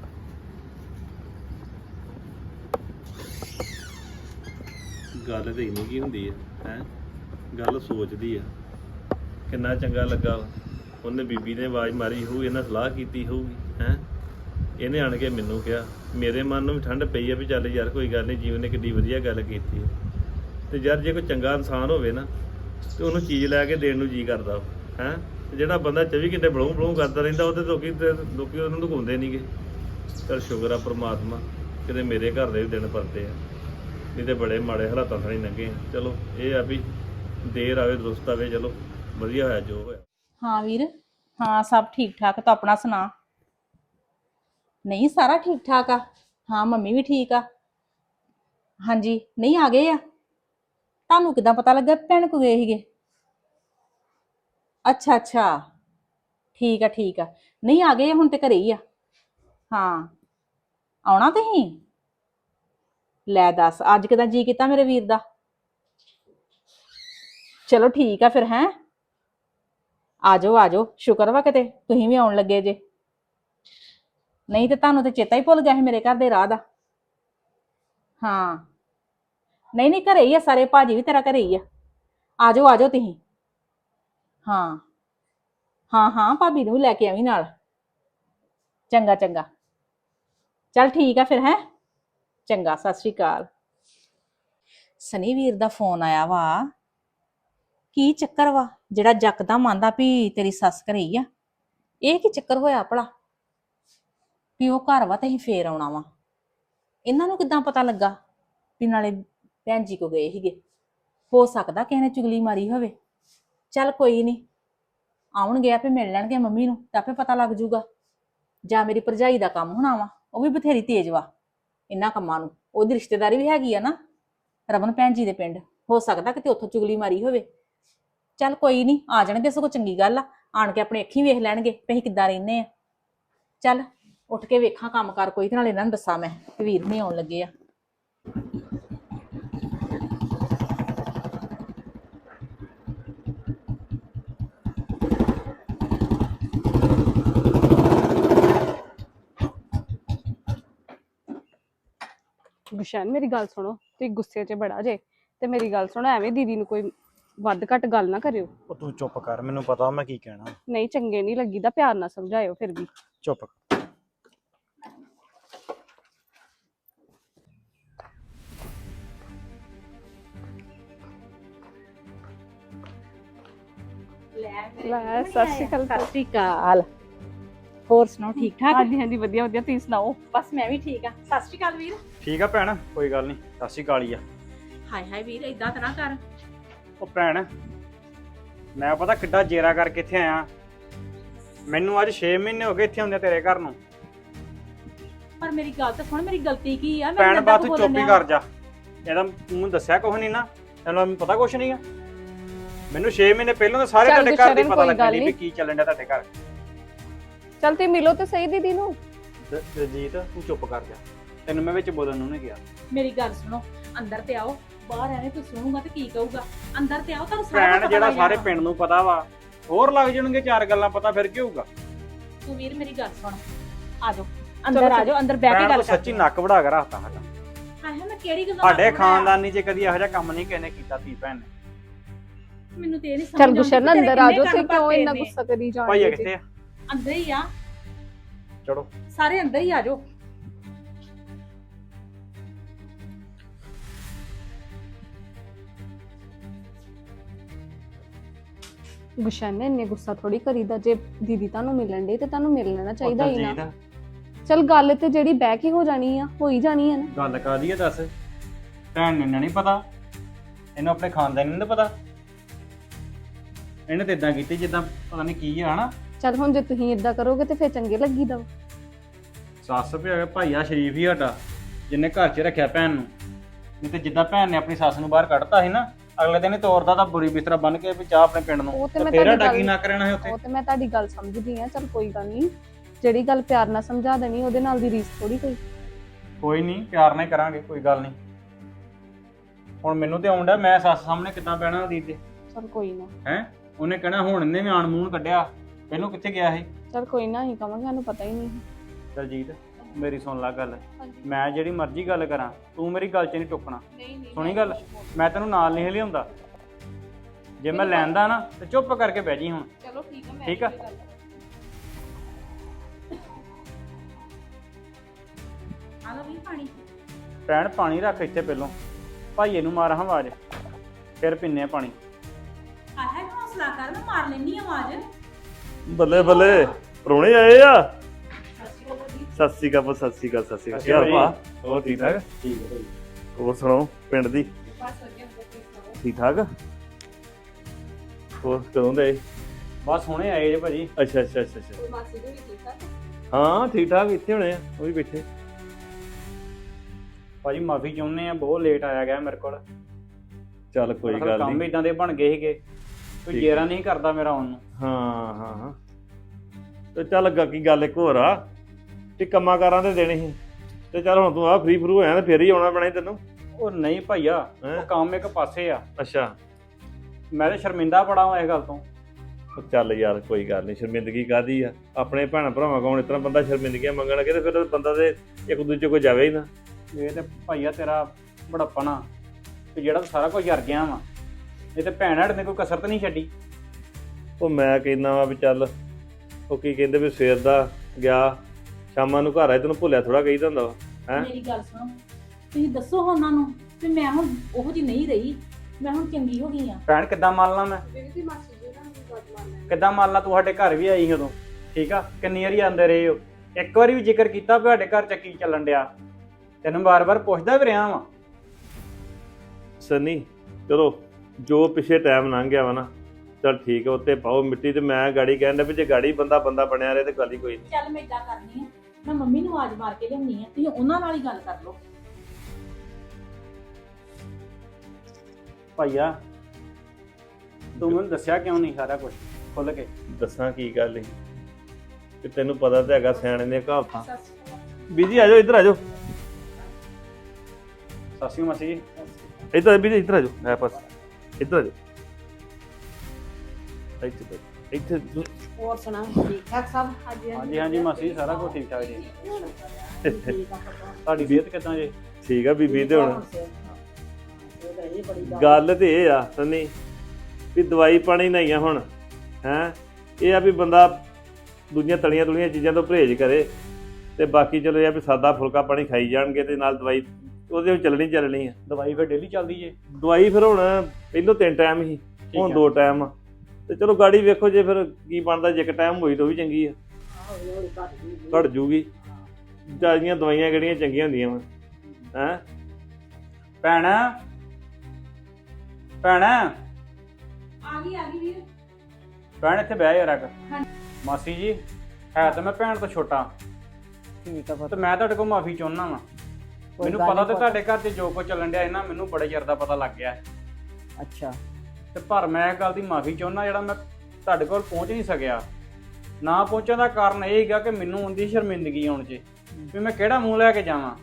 S3: ਗੱਲ ਤੇ ਇੰਨੀ ਕੀ ਹੁੰਦੀ ਹੈ ਗੱਲ ਸੋਚਦੀ ਆ। ਕਿੰਨਾ ਚੰਗਾ ਲੱਗਾ ਵਾ, ਉਹਨੇ ਬੀਬੀ ਨੇ ਆਵਾਜ਼ ਮਾਰੀ ਹੋਊ, ਇਹਨਾਂ ਸਲਾਹ ਕੀਤੀ ਹੋਊਗੀ ਇਹਨੇ ਆਣ ਕੇ ਮੈਨੂੰ ਕਿਹਾ, ਮੇਰੇ ਮਨ ਨੂੰ ਵੀ ਠੰਡ ਪਈ ਆ ਵੀ ਚੱਲ ਯਾਰ ਕੋਈ ਗੱਲ ਨਹੀਂ, ਜੀਵਨ ਨੇ ਕਿੱਡੀ ਵਧੀਆ ਗੱਲ ਕੀਤੀ ਹੈ। ਤੇ ਯਾਰ ਜੇ ਕੋਈ ਚੰਗਾ ਇਨਸਾਨ ਹੋਵੇ ਨਾ ਤੇ ਉਹਨੂੰ ਚੀਜ਼ ਲੈ ਕੇ ਦੇਣ ਨੂੰ ਜੀ ਕਰਦਾ ਤੇ ਜਿਹੜਾ ਬੰਦਾ 24 ਘੰਟੇ ਬਲੂੰ ਕਰਦਾ ਰਹਿੰਦਾ ਉਹਦੇ ਲੋਕੀ ਉਹਨੂੰ ਲੁਕਾਉਂਦੇ ਨਹੀਂਗੇ। ਚਲ ਸ਼ੁਕਰ ਆ ਪ੍ਰਮਾਤਮਾ ਕਿਤੇ ਮੇਰੇ ਘਰ ਦੇ ਵੀ ਦਿਨ ਪਰਤੇ ਆ, ਨਹੀਂ ਤੇ ਬੜੇ ਮਾੜੇ ਹਾਲਾਤਾਂ ਥਾਣੀ ਲੰਘੇ। ਚਲੋ ਇਹ ਆ ਵੀ ਦੇਰ ਆਵੇ ਦਰੁਸਤ ਆਵੇ, ਚਲੋ ਵਧੀਆ ਹੋਇਆ ਜੋ ਹੋਇਆ।
S4: ਹਾਂ ਵੀਰ, ਹਾਂ ਸਭ ਠੀਕ ਠਾਕ। ਤੂੰ ਆਪਣਾ ਸੁਣਾ? ਨਹੀਂ ਸਾਰਾ ਠੀਕ ਠਾਕ ਆ। ਹਾਂ ਮੰਮੀ ਵੀ ਠੀਕ ਆ। ਹਾਂਜੀ ਨਹੀਂ ਆ ਗਏ ਆ। ਤੁਹਾਨੂੰ ਕਿੱਦਾਂ ਪਤਾ ਲੱਗਾ ਭੈਣ ਕੋ ਗਏ ਸੀਗੇ? ਅੱਛਾ ਅੱਛਾ ਠੀਕ ਆ ਠੀਕ ਆ। ਨਹੀਂ ਆ ਗਏ ਆ, ਹੁਣ ਤੇ ਘਰੇ ਹੀ ਆ। ਹਾਂ ਆਉਣਾ ਤੁਸੀਂ? ਲੈ ਦੱਸ, ਅੱਜ ਕਿਦਾਂ ਜੀ ਕੀਤਾ ਮੇਰੇ ਵੀਰ ਦਾ? ਚਲੋ ਠੀਕ ਆ ਫਿਰ। ਹੈਂ ਆ ਜਾਓ, ਸ਼ੁਕਰ ਵਾ ਕਿਤੇ ਤੁਸੀਂ ਵੀ ਆਉਣ ਲੱਗੇ ਜੇ, ਨਹੀਂ ਤੇ ਤੁਹਾਨੂੰ ਤੇ ਚੇਤਾ ਹੀ ਭੁੱਲ ਗਿਆ ਸੀ ਮੇਰੇ ਘਰ ਦੇ ਰਾਹ ਦਾ। ਹਾਂ ਨਹੀਂ ਘਰੇ ਹੀ ਆ ਸਾਰੇ, ਭਾਜੀ ਵੀ ਤੇਰਾ ਘਰੇ ਹੀ ਆ। ਆ ਜਾਓ ਤੁਸੀਂ। ਹਾਂ ਹਾਂ ਭਾਬੀ ਨੂੰ ਵੀ ਲੈ ਕੇ ਆਵੀਂ ਨਾਲ। ਚੰਗਾ ਚੱਲ ਠੀਕ ਆ ਫਿਰ। ਹੈ ਚੰਗਾ, ਸਤਿ ਸ਼੍ਰੀ ਅਕਾਲ। ਸਨੀ ਵੀਰ ਦਾ ਫੋਨ ਆਇਆ ਵਾ। ਕੀ ਚੱਕਰ ਵਾ ਜਿਹੜਾ ਜੱਕਦਮ ਆਂਦਾ ਵੀ ਤੇਰੀ ਸੱਸ ਘਰੇ ਹੀ ਆ? ਇਹ ਕੀ ਚੱਕਰ ਹੋਇਆ ਭਲਾ ਵੀ ਉਹ ਘਰ ਵਾ ਤੇ ਅਸੀਂ ਫੇਰ ਆਉਣਾ ਵਾ? ਇਹਨਾਂ ਨੂੰ ਕਿੱਦਾਂ ਪਤਾ ਲੱਗਾ ਵੀ ਨਾਲੇ ਭੈਣ ਜੀ ਕੋ ਗਏ ਸੀਗੇ? ਹੋ ਸਕਦਾ ਕਿਸੇ ਨੇ ਚੁਗਲੀ ਮਾਰੀ ਹੋਵੇ। ਚੱਲ ਕੋਈ ਨਹੀਂ, ਆਉਣਗੇ ਆਪੇ ਮਿਲ ਲੈਣਗੇ ਮੰਮੀ ਨੂੰ ਤੇ ਆਪੇ ਪਤਾ ਲੱਗ ਜੂਗਾ। ਜਾਂ ਮੇਰੀ ਭਰਜਾਈ ਦਾ ਕੰਮ ਹੋਣਾ ਵਾ, ਉਹ ਵੀ ਬਥੇਰੀ ਤੇਜ਼ ਵਾ ਇਹਨਾਂ ਕੰਮਾਂ ਨੂੰ। ਉਹਦੀ ਰਿਸ਼ਤੇਦਾਰੀ ਵੀ ਹੈਗੀ ਆ ਨਾ ਰਮਨ ਭੈਣ ਜੀ ਦੇ ਪਿੰਡ, ਹੋ ਸਕਦਾ ਕਿਤੇ ਉੱਥੋਂ ਚੁਗਲੀ ਮਾਰੀ ਹੋਵੇ। ਚੱਲ ਕੋਈ ਨਹੀਂ, ਆ ਜਾਣਗੇ, ਸਗੋਂ ਚੰਗੀ ਗੱਲ ਆ। ਆਣ ਕੇ ਆਪਣੇ ਅੱਖੀਂ ਵੇਖ ਲੈਣਗੇ ਵੀ ਅਸੀਂ ਕਿੱਦਾਂ ਰਹਿੰਦੇ ਆ। ਚੱਲ ਉੱਠ ਕੇ ਵੇਖਾਂ ਕੰਮ ਕਰ ਕੋਈ, ਤੇ ਨਾਲ ਇਹਨਾਂ ਨੂੰ ਦੱਸਾਂ ਮੈਂ ਕਿ ਵੀਰ ਨਹੀਂ ਆਉਣ ਲੱਗੇ ਆ।
S5: ਗੁਸ਼ਨ ਮੇਰੀ ਗੱਲ ਸੁਣੋ, ਤੁਸੀਂ ਗੁੱਸੇ 'ਚ ਬੜਾ ਜੇ ਤੇ ਮੇਰੀ ਗੱਲ ਸੁਣੋ, ਐਵੇਂ ਦੀਦੀ ਨੂੰ ਕੋਈ ਵੱਧ ਘੱਟ ਗੱਲ ਨਾ ਕਰਿਓ।
S6: ਉਹ ਤੂੰ ਚੁੱਪ ਕਰ, ਮੈਨੂੰ ਪਤਾ ਮੈਂ ਕੀ ਕਹਿਣਾ।
S5: ਨਹੀਂ ਚੰਗੇ ਨਹੀਂ ਲੱਗੀਦਾ, ਪਿਆਰ ਨਾਲ ਸਮਝਾਇਓ ਫਿਰ ਵੀ।
S6: ਚੁੱਪ।
S5: ਲੈ ਸਤਿ ਸ਼੍ਰੀ ਅਕਾਲ।
S4: ਸਤਿ ਸ਼੍ਰੀ ਅਕਾਲ। ਹੋਰ ਸੁਣਾਓ, ਠੀਕ ਠਾਕ?
S5: ਹਾਂਜੀ ਹਾਂਜੀ ਵਧੀਆ ਵਧੀਆ, ਤੁਸੀਂ ਸੁਣਾਓ?
S4: ਬਸ ਮੈਂ ਵੀ ਠੀਕ ਆ। ਸਤਿ ਸ਼੍ਰੀ ਅਕਾਲ ਵੀਰ।
S6: ਠੀਕ ਆ ਭੈਣ, ਕੋਈ ਗੱਲ ਨਹੀਂ। ਸਤਿ ਸ਼੍ਰੀ ਅਕਾਲ ਹੀ ਆ।
S4: ਹਾਏ ਵੀਰ, ਏਦਾਂ ਤਾਂ ਨਾ ਕਰ।
S6: ਉਹ ਭੈਣ, ਮੈਂ ਪਤਾ ਕਿੱਡਾ ਜੇਰਾ ਕਰਕੇ ਇੱਥੇ ਆਇਆ। ਮੈਨੂੰ ਅੱਜ 6 ਮਹੀਨੇ ਹੋ ਗਏ ਇੱਥੇ ਹੁੰਦੇ ਤੇਰੇ ਘਰ ਨੂੰ।
S4: ਪਰ ਮੇਰੀ ਗੱਲ ਤਾਂ ਸੁਣ, ਮੇਰੀ ਗਲਤੀ ਕੀ ਆ?
S6: ਭੈਣ ਬਾ ਤੂੰ ਚੁੱਪ ਹੀ ਕਰ ਜਾ। ਇਹਦਾ ਤੂੰ ਦੱਸਿਆ ਕੁਛ ਨਹੀਂ ਨਾ, ਤੈਨੂੰ ਪਤਾ ਕੁਛ ਨਹੀਂ ਆ। ਮੈਨੂੰ 6 ਮਹੀਨੇ ਪਹਿਲਾਂ ਤਾਂ ਸਾਰੇ ਤੁਹਾਡੇ ਘਰ ਦੀ ਪਤਾ ਲੱਗਾ ਵੀ ਕੀ ਚੱਲਣ ਡਿਆ ਤੁਹਾਡੇ ਘਰ।
S5: ਚੱਲ ਤੁਸੀਂ ਮਿਲੋ ਤੇ ਸਹੀ ਦੀਦੀ ਨੂੰ।
S6: ਦਲਜੀਤ ਤੂੰ ਚੁੱਪ ਕਰ ਜਾ, ਤੈਨੂੰ ਮੈਂ ਵਿੱਚ ਬੋਲਣ ਨੂੰ ਨਹੀਂ ਕਿਹਾ।
S4: ਮੇਰੀ ਗੱਲ ਸੁਣੋ, ਅੰਦਰ ਤੇ ਆਓ। ਬਾਹਰ ਐਵੇਂ ਕੋਈ ਸੁਣੂਗਾ ਤੇ ਕੀ ਕਹੂਗਾ? ਅੰਦਰ ਤੇ ਆਓ, ਤੁਹਾਨੂੰ ਸਾਰਾ
S6: ਭੈਣ
S4: ਪਤਾ
S6: ਜਿਹੜਾ
S4: ਲੱਗ
S6: ਸਾਰੇ
S4: ਜਾਣਾ।
S6: ਪਿੰਡ ਨੂੰ ਪਤਾ ਵਾ, ਹੋਰ ਲੱਗ ਜਾਣਗੇ 4 ਗੱਲਾਂ ਪਤਾ, ਫਿਰ ਕੀ ਹੋਊਗਾ?
S4: ਤੂੰ ਵੀਰ ਮੇਰੀ ਗੱਲ ਸੁਣ, ਆ ਜਾਓ ਅੰਦਰ, ਆ ਜਾਓ ਅੰਦਰ ਬਹਿ ਕੇ
S6: ਭੈਣ
S4: ਗੱਲ
S6: ਤੂੰ
S4: ਕਰਦੇ
S6: ਸੱਚੀ ਨੱਕ ਵੜਾ ਕੇ ਰੱਖਤਾ ਸਾਡਾ।
S4: ਹਾਏ ਮੈਂ ਕਿਹੜੀ ਗੱਲ
S6: ਸਾਡੇ ਖਾਨਦਾਨੀ 'ਚ ਕਦੀ ਇਹੋ ਜਿਹਾ ਕੰਮ ਨਹੀਂ ਕਿਸੇ ਨੇ ਕੀਤਾ ਧੀ ਭੈਣ ਨੇ।
S4: ਮੈਨੂੰ ਤੇ ਇਹ ਨਹੀਂ ਸਮਝ
S5: ਚੱਲ
S4: ਆਉਂਦੀ
S5: ਗੁਸ਼ਨ
S4: ਕਿ ਤੇਰੇ
S5: ਅੰਦਰ ਆ ਜਾਓ,
S4: ਕਿੰਨੇ
S5: ਤੇ ਕਿਉਂ
S4: ਕੰਨ
S5: ਇੰਨਾ
S4: ਭਰਤੇ
S5: ਗੁੱਸਾ ਕਰੀ
S6: ਭਾਈ
S5: ਜਾਂਦੇ
S6: ਕਿੱਥੇ ਆ?
S4: ਅੰਦਰ ਹੀ ਆ।
S6: ਚਲੋ
S4: ਸਾਰੇ ਅੰਦਰ ਹੀ ਆ ਜਾਓ।
S5: ਗੁਸ਼ਨ ਨੇ ਇੰਨੇ ਗੁੱਸਾ ਥੋੜੀ ਕਰੀਦਾ। ਜੇ ਦੀਦੀ ਤੁਹਾਨੂੰ ਮਿਲਣ ਦੇ ਤੇ ਤੁਹਾਨੂੰ ਮਿਲ ਲੈਣਾ ਚਾਹੀਦਾ ਹੀ ਨਾ।
S6: ਦਲਜੀਤ
S5: ਚੱਲ ਗੱਲ ਤੇ ਜਿਹੜੀ ਬਹਿ ਕੇ ਹੋ ਜਾਣੀ ਆ, ਹੋ ਹੀ ਜਾਣੀ ਆ ਨਾ।
S6: ਗੱਲ ਕਾਦੀ ਆ ਦੱਸ? ਭੈਣ ਨੂੰ ਨਹੀਂ ਪਤਾ ਇਹਨੂੰ ਆਪਣੇ ਖਾਨਦਾਨ ਨੂੰ ਨੀ ਪਤਾ। ਇਹਨੇ ਤੇ ਇਦਾਂ ਕੀਤੀ ਜਿੱਦਾਂ ਪਤਾ ਨਹੀਂ ਕੀ ਆ ਹਨਾ।
S5: ਚੱਲ ਹੁਣ ਜੇ ਤੁਸੀਂ ਇਦਾਂ ਕਰੋਗੇ ਤੇ ਫਿਰ ਚੰਗੇ ਲੱਗੀਦਾ ਵਾ।
S6: ਸੱਸ ਵੀ ਹੈਗਾ ਭਾਈਆ ਸ਼ਰੀਫ ਹੀ ਸਾਡਾ, ਜਿੰਨੇ ਘਰ 'ਚ ਰੱਖਿਆ ਭੈਣ ਨੂੰ। ਨਹੀਂ ਤੇ ਜਿੱਦਾਂ ਭੈਣ ਨੇ ਆਪਣੀ ਸੱਸ ਨੂੰ ਬਾਹਰ ਕੱਢਤਾ ਸੀ ਨਾ, ਅਗਲੇ ਦਿਨ ਹੀ ਤੋਰਦਾ ਤਾਂ ਬੁਰੀ ਬਿਸਤਰਾ ਬੰਨ ਕੇ ਵੀ ਚਾਹ ਆਪਣੇ ਪਿੰਡ ਨੂੰ।
S5: ਉਹ ਤੇ
S6: ਤੇ
S5: ਮੈਂ
S6: ਫੇਰ
S5: ਤੁਹਾਡੀ
S6: ਸਾਡਾ ਕੀ
S5: ਗੱਲ
S6: ਨਾ ਕਰਨਾ ਹੈ ਉੱਥੇ।
S5: ਉਹ ਤੇ ਮੈਂ ਤੁਹਾਡੀ ਗੱਲ ਸਮਝਦੀ ਆ, ਚੱਲ ਕੋਈ ਗੱਲ ਨਹੀਂ। ਜਿਹੜੀ ਗੱਲ ਪਿਆਰ ਨਾਲ ਸਮਝਾ ਦੇਣੀ ਉਹਦੇ ਨਾਲ ਦੀ ਰੀਸ ਥੋੜੀ ਕੋਈ।
S6: ਕੋਈ ਨਹੀਂ, ਪਿਆਰ ਨਾਲ ਹੀ ਕਰਾਂਗੇ, ਕੋਈ ਗੱਲ ਨਹੀਂ। ਹੁਣ ਮੈਨੂੰ ਤੇ ਆਉਂਦਾ ਮੈਂ ਸੱਸ ਸਾਹਮਣੇ ਕਿੱਦਾਂ ਪੈਣਾ ਦੀ ਤੇ
S5: ਚੱਲ ਕੋਈ ਨਾ,
S6: ਹੈ। ਉਹਨੇ ਕਹਿਣਾ ਹੁਣ ਇਹਨੇ ਵੀ ਆਣ ਮੂੰਹ ਕੱਢਿਆ, ਪਹਿਲੋਂ ਕਿੱਥੇ ਗਿਆ ਸੀ।
S5: ਚੱਲ ਕੋਈ ਨਾ, ਅਸੀਂ ਕਵਾਂਗੇ ਸਾਨੂੰ ਪਤਾ ਹੀ ਨਹੀਂ।
S6: ਦਲਜੀਤ ਮੇਰੀ ਸੁਣ ਲੈ ਗੱਲ,
S5: ਹਾਂਜੀ।
S6: ਮੈਂ ਜਿਹੜੀ ਮਰਜ਼ੀ ਗੱਲ ਕਰਾਂ ਤੂੰ ਮੇਰੀ ਗੱਲ 'ਚ ਨਹੀਂ ਟੁੱਕਣਾ।
S5: ਨਹੀਂ ਨਹੀਂ
S6: ਸੁਣੀ ਗੱਲ, ਮੈਂ ਤੈਨੂੰ ਨਾਲ ਨਹੀਂ ਲਿਆਉਂਦਾ। ਜੇ ਮੈਂ ਲੈਂਦਾ ਨਾ ਤੇ ਚੁੱਪ ਕਰਕੇ ਬਹਿ ਜੀ ਹੁਣ।
S5: ਚਲੋ ਠੀਕ ਆ, ਮੈਂ
S6: ਠੀਕ ਆ।
S2: ਆ ਲਓ ਵੀ ਪਾਣੀ।
S6: ਭੈਣ ਪਾਣੀ ਰੱਖ ਇੱਥੇ ਪਹਿਲੋਂ, ਭਾਈਏ ਨੂੰ ਮਾਰ ਹਾਂ ਆਵਾਜ਼, ਫਿਰ ਪੀਨੇ ਆ ਪਾਣੀ।
S2: ਆਹ ਹੈ ਹੌਸਲਾ ਕਰ, ਮੈਂ ਮਾਰ ਲੈਣੀ ਆਵਾਜ਼।
S3: ਬੱਲੇ ਬੱਲੇ ਪਰੋਣੇ ਆਏ ਆ। ਸਤਿ ਸ਼੍ਰੀ ਅਕਾਲ ਪੁੱਤ, ਸਤਿ ਸ਼੍ਰੀ ਅਕਾਲ, ਸਤਿ ਸ਼੍ਰੀ ਅਕਾਲ। ਕੀ ਹਾਲ ਭਾ? ਹੋਰ ਠੀਕ ਠਾਕ?
S6: ਠੀਕ ਹੈ ਭਾਈ।
S3: ਹੋਰ ਸੁਣਾਓ ਪਿੰਡ ਦੀ? ਠੀਕ ਠਾਕ? ਹੋਰ ਕਦੋਂ ਦੇ?
S6: ਬਸ ਹੁਣੇ ਆਏ ਜੇ ਭਾਜੀ।
S3: ਅੱਛਾ ਅੱਛਾ ਅੱਛਾ ਅੱਛਾ। ਹਾਂ ਠੀਕ ਠਾਕ, ਇੱਥੇ ਹੋਣੇ ਆ, ਉਹ ਵੀ ਬੈਠੇ।
S6: ਭਾਜੀ ਮਾਫੀ ਚਾਹੁੰਦੇ ਆ, ਬਹੁਤ ਲੇਟ ਆਇਆ ਗਿਆ ਮੇਰੇ ਕੋਲ।
S3: ਚੱਲ ਕੋਈ ਗੱਲ
S6: ਕੰਮ
S3: ਨਹੀਂ।
S6: ਇਦਾਂ ਦੇ ਬਣ ਗਏ ਸੀਗੇ, ਕੋਈ
S3: ਠੀਕ
S6: ਜੇਰਾ ਨਹੀਂ ਕਰਦਾ ਮੇਰਾ ਉਹਨੂੰ।
S3: ਹਾਂ ਹਾਂ ਹਾਂ, ਤੇ ਚੱਲ ਅੱਗਾ ਕੀ ਗੱਲ ਇੱਕ ਹੋਰ ਆ ਕਿ ਕੰਮਾਂ ਕਾਰਾਂ ਤੇ ਦੇਣੇ ਸੀ, ਤੇ ਚੱਲ ਹੁਣ ਤੂੰ ਆ ਫ੍ਰੀ ਫਰੂ ਹੋਇਆ ਤੇ ਫੇਰ ਹੀ ਆਉਣਾ ਪੈਣਾ ਸੀ ਤੈਨੂੰ।
S6: ਉਹ ਨਹੀਂ ਭਾਈਆ,
S3: ਹੈਂ?
S6: ਉਹ ਕੰਮ ਇੱਕ ਪਾਸੇ ਆ।
S3: ਅੱਛਾ।
S6: ਮੈਂ ਤੇ ਸ਼ਰਮਿੰਦਾ ਬੜਾ ਹਾਂ ਇਸ ਗੱਲ ਤੋਂ।
S3: ਉਹ ਚੱਲ ਯਾਰ ਕੋਈ ਗੱਲ ਨਹੀਂ, ਸ਼ਰਮਿੰਦਗੀ ਕਾਹਦੀ ਆ? ਆਪਣੇ ਭੈਣ ਭਰਾਵਾਂ ਕੋਲ ਇਸ ਤਰ੍ਹਾਂ ਬੰਦਾ ਸ਼ਰਮਿੰਦਗੀਆਂ ਮੰਗਣ ਲੱਗੇ ਤੇ ਫਿਰ ਬੰਦਾ ਤੇ ਇੱਕ ਦੂਜੇ ਕੋਲ ਜਾਵੇ ਹੀ ਨਾ।
S6: ਇਹ ਤੇ ਭਾਈਆ ਤੇਰਾ ਬੜਾਪਾ ਨਾ, ਤੇ ਜਿਹੜਾ ਤੂੰ ਸਾਰਾ ਕੁਝ ਕਰ ਗਿਆ ਵਾ, ਇਹ ਤੇ ਭੈਣ ਹੜ ਨੇ ਕੋਈ ਕਸਰਤ ਨਹੀਂ ਛੱਡੀ।
S3: ਉਹ ਮੈਂ ਕਹਿੰਦਾ ਵਾ ਵੀ ਚੱਲ, ਉਹ ਕੀ ਕਹਿੰਦੇ ਵੀ ਸਵੇਰ ਦਾ ਗਿਆ ਸ਼ਾਮਾਂ ਨੂੰ ਘਰ ਆਏ ਤੈਨੂੰ ਭੁੱਲਿਆ ਥੋੜਾ ਕਹੀਦਾ ਹੁੰਦਾ ਵਾ। ਹੈਂ?
S2: ਮੇਰੀ ਗੱਲ ਸੁਣੋ, ਤੁਸੀਂ ਦੱਸੋ ਉਹਨਾਂ ਨੂੰ ਵੀ ਮੈਂ ਹੁਣ ਉਹੋ ਜਿਹੀ ਨਹੀਂ ਰਹੀ, ਮੈਂ ਹੁਣ ਚੰਗੀ ਹੋ ਗਈ ਆ।
S6: ਭੈਣ ਕਿੱਦਾਂ ਮੰਨ ਲਾਂ ਮੈਂ? ਕਿੱਦਾਂ ਮੰਨ ਲਾਂ? ਤੂੰ ਸਾਡੇ ਘਰ ਵੀ ਆਈ ਉਦੋਂ, ਠੀਕ ਆ? ਕਿੰਨੀ ਵਾਰੀ ਆਉਂਦੇ ਰਹੇ ਹੋ, ਇੱਕ ਵਾਰੀ ਵੀ ਜ਼ਿਕਰ ਕੀਤਾ ਵੀ ਸਾਡੇ ਘਰ ਚ ਕੀ ਚੱਲਣ ਡਿਆ? ਤੈਨੂੰ ਵਾਰ-ਵਾਰ ਪੁੱਛਦਾ ਵੀ ਰਿਹਾ ਵਾਂ।
S3: ਸਨੀ ਚਲੋ ਜੋ ਪਿਛੇ ਟਾਈਮ ਲੰਘ ਗਿਆ ਵਾ ਨਾ, ਚੱਲ ਠੀਕ ਹੈ, ਉੱਤੇ ਪਾਓ ਮਿੱਟੀ। ਤੇ ਮੈਂ ਗਾੜੀ ਕਹਿਣ ਡਿਆ ਵੀ ਜੇ ਗਾੜੀ ਬੰਦਾ ਬਣਿਆ ਰਹੇ ਤੇ ਗੱਲ ਹੀ ਕੋਈ ਨਹੀਂ।
S2: ਚੱਲ ਮੈਂ ਇਦਾਂ ਕਰਨੀ ਆ, ਮੈਂ ਮੰਮੀ ਨੂੰ ਆਵਾਜ਼ ਮਾਰ ਕੇ ਲਿਆਉਣੀ ਆ, ਤੁਸੀਂ ਉਹਨਾਂ ਨਾਲ ਹੀ ਗੱਲ ਕਰ ਲਓ।
S6: ਭਾਈਆ ਤੂੰ ਮੈਨੂੰ ਦੱਸਿਆ ਕਿਉਂ ਨਹੀਂ ਸਾਰਾ ਕੁਝ ਖੁੱਲ ਕੇ?
S3: ਦੱਸਾਂ ਕੀ ਗੱਲ ਸੀ ਕਿ ਤੈਨੂੰ ਪਤਾ ਤਾਂ ਹੈਗਾ ਸਿਆਣੇ ਦੀਆਂ ਕਹਾਵਤਾਂ। ਬੀਜੀ ਆ ਜਾਓ, ਇੱਧਰ ਆ ਜਾਓ,
S6: ਸਤਿ ਸ਼੍ਰੀ ਅਕਾਲ ਮਾਸੀ ਜੀ।
S3: ਇੱਧਰ ਬੀਜੀ, ਇੱਧਰ ਆ ਜਾਓ, ਮੈਂ ਪਾਸ ਇੱਧਰ ਆ ਜਾਓ। ਇੱਥੇ ਬੈਠੋ, ਇੱਥੇ
S1: ਹੋਰ ਸੁਣਾ, ਠੀਕ ਠਾਕ ਸਭ?
S6: ਹਾਂਜੀ ਹਾਂਜੀ ਮਾਸੀ ਜੀ, ਸਾਰਾ ਕੁਝ ਠੀਕ ਠਾਕ ਜੀ।
S1: ਠੀਕ ਆ ਪੁੱਤ।
S6: ਤੁਹਾਡੀ ਸਿਹਤ ਕਿੱਦਾਂ ਜੀ?
S3: ਠੀਕ ਆ ਬੀਬੀ। ਤੇ ਹੁਣ
S1: ਇਹ ਬੜੀ
S3: ਗੱਲ ਤੇ ਇਹ ਆ ਸਨੀ ਵੀ ਦਵਾਈ ਪਾਣੀ ਨਹੀਂ ਆ ਹੁਣ, ਹੈਂ? ਇਹ ਆ ਵੀ ਬੰਦਾ ਦੂਜੀਆਂ ਤਲੀਆਂ ਤੁਲੀਆਂ ਚੀਜ਼ਾਂ ਤੋਂ ਪਰਹੇਜ਼ ਕਰੇ, ਤੇ ਬਾਕੀ ਚਲੋ ਇਹ ਆ ਵੀ ਸਾਦਾ ਫੁਲਕਾ ਪਾਣੀ ਖਾਈ ਜਾਣਗੇ ਤੇ ਨਾਲ ਦਵਾਈ ਉਹਦੇ ਵਿੱਚ ਚੱਲਣੀ ਆ।
S6: ਦਵਾਈ ਫਿਰ ਡੇਲੀ ਚੱਲਦੀ ਜੇ?
S3: ਦਵਾਈ ਫਿਰ ਹੁਣ ਪਹਿਲੋਂ 3 ਟਾਈਮ ਸੀ, ਹੁਣ 2 ਟਾਈਮ ਆ। ਤੇ ਚਲੋ ਗਾੜੀ ਵੇਖੋ ਜੇ ਫਿਰ ਕੀ ਬਣਦਾ, ਜੇ ਇੱਕ ਟਾਈਮ ਹੋਈ ਤਾਂ ਉਹ ਵੀ ਚੰਗੀ ਆ, ਘਟ ਜੂਗੀ। ਜਿਆਦੀਆਂ ਦਵਾਈਆਂ ਕਿਹੜੀਆਂ ਚੰਗੀਆਂ ਹੁੰਦੀਆਂ ਵਾ, ਹੈਂ?
S6: ਭੈਣ ਭੈਣ
S2: ਆ ਗਈ ਵੀਰ।
S6: ਭੈਣ ਇੱਥੇ ਬਹਿ ਯਾਰ ਅੱਗ।
S2: ਹਾਂਜੀ।
S6: ਮਾਸੀ ਜੀ ਹੈ ਤਾਂ ਮੈਂ ਭੈਣ ਤੋਂ ਛੋਟਾ,
S1: ਠੀਕ ਆ ਪੁੱਤ।
S6: ਤੇ ਮੈਂ ਤੁਹਾਡੇ ਕੋਲ ਮਾਫੀ ਚਾਹੁੰਦਾ ਵਾਂ। ਮੈਨੂੰ ਪਤਾ ਤੇ ਤੁਹਾਡੇ ਘਰ 'ਚ ਜੋ ਕੁਝ ਚੱਲਣ ਡਿਆ ਨਾ, ਮੈਨੂੰ ਬੜੇ ਚਿਰ ਦਾ ਪਤਾ ਲੱਗ ਗਿਆ।
S1: ਅੱਛਾ।
S6: ਤੇ ਪਰ ਮੈਂ ਇਹ ਗੱਲ ਦੀ ਮਾਫੀ ਚਾਹੁੰਦਾ, ਜਿਹੜਾ ਮੈਂ ਤੁਹਾਡੇ ਕੋਲ ਪਹੁੰਚ ਨਹੀਂ ਸਕਿਆ। ਨਾ ਪਹੁੰਚਣ ਦਾ ਕਾਰਨ ਇਹ ਸੀਗਾ ਕਿ ਮੈਨੂੰ ਉਹਦੀ ਸ਼ਰਮਿੰਦਗੀ ਆਉਣ 'ਚ ਵੀ ਮੈਂ ਕਿਹੜਾ ਮੂੰਹ ਲੈ ਕੇ ਜਾਵਾਂ।